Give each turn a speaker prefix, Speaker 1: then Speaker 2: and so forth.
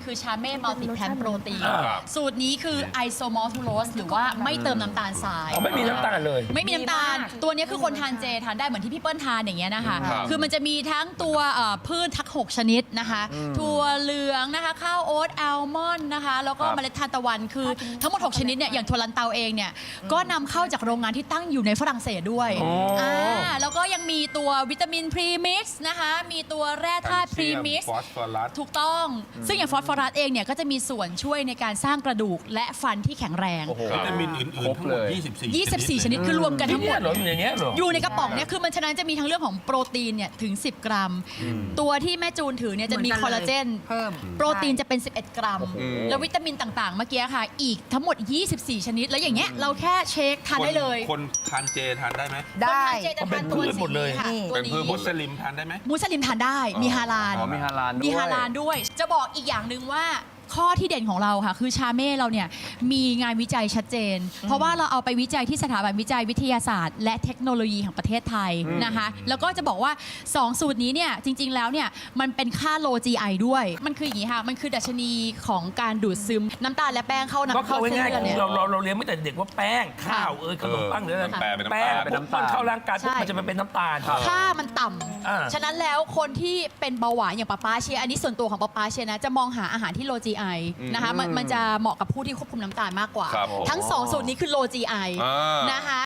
Speaker 1: คือชาเม่มัลติแพนโปรตีนสูตรนี้คือไอโซมอลทูโรสหรือว่าไม่เติมน้ำตาลทราย
Speaker 2: ไม่มีน้ำตาลเลย
Speaker 1: ไม่มีน้ำตาลตัวนี้คือคนทานเจทานได้เหมือนที่พี่เปิ้ลทานอย่างเงี้ยนะคะคือมันจะมีทั้งตัวพืชทั้ง6ชนิดนะคะถั่วเหลืองนะคะข้าวโอ๊ตอัลมอนด์นะคะแล้วก็เมล็ดทานตะวันคือทั้งหมด6ชนิดเนี่ยอย่างถั่วลันเตาเองเนี่ยก็นำเข้าจากโรงงานที่ตั้งอยู่ในฝรั่งเศสด้วยแล้วก็ยังมีตัววิตามินพรีมิกซ์นะคะมีตัวแร่ธาตุพรีมิกซ์
Speaker 3: ฟอสฟอรัส
Speaker 1: ถูกต้องซึ่งอย่างฟอสฟอรัสเองเนี่ยก็จะมีส่วนช่วยในการสร้างกระดูกและฟันที่แข็งแรง
Speaker 3: วิตามินอื่นๆทั้งหมด
Speaker 1: 24ชนิดคือรวมกันทั้งหมด
Speaker 2: อยู่อย่างเงี้ยเหรอ
Speaker 1: อยู่ในกระป๋องเนี่ยคือมันฉะนั้นจะมีทั้งเรื่องของโปรตีนเนี่ยถึง10 กรัมตัวที่แม่จูนถือเนี่ยจะมีคอลลาเจนเพิ่มโปรตีนจะเป็น11 กรัมแล้ววิตามินต่างๆเมื่อกี้ค่ะอีกทั้งหมด24ชนิดแล้วอย่างเงี้ยเราแค่เช็คทานได้เลย
Speaker 3: คนทานเจทานได้ไหม
Speaker 1: ได้เจจะทานตัวสีค่ะ
Speaker 3: เป็นพืชมุสลิมทานได้ไหม
Speaker 1: มุสลิมทานได้มีฮาลาล
Speaker 4: มีฮาลาล
Speaker 1: ด้วยจะบอกอีกอย่างหนึ่งว่าข้อที่เด่นของเราค่ะคือชาเม่เราเนี่ยมีงานวิจัยชัดเจนเพราะว่าเราเอาไปวิจัยที่สถาบันวิจัยวิทยาศาสตร์และเทคโนโลยีแห่งประเทศไทยนะคะแล้วก็จะบอกว่า2สูตรนี้เนี่ยจริงๆแล้วเนี่ยมันเป็นค่าโล GI ด้วยมันคืออย่างนี้ค่ะมันคือดัชนีของการดูดซึมน้ำตาลและแป้งเข้า
Speaker 2: ก็คือ
Speaker 1: เส้น
Speaker 2: ง่าย
Speaker 1: เลือดเนี่ย
Speaker 2: ๆเราเรียนไม่แต่เด็กว่าแป้งข้าวขนมปังหรืออะไรแป้งเป็นน้ำตาลเข้าร่างกายปุ๊บมันจะเป็นน้ำตาล
Speaker 1: ค่ามันต่ำฉะนั้นแล้วคนที่เป็นเบาหวานอย่างป๊าเชียอันนี้ส่วนตัวของป๊าเชียนะจะมองหาอาหารที่โล GI นะคะมันจะเหมาะกับผู้ที่ควบคุมน้ำตาลมากกว่าทั้ง2สูตรนี้คือโล GI นะคะ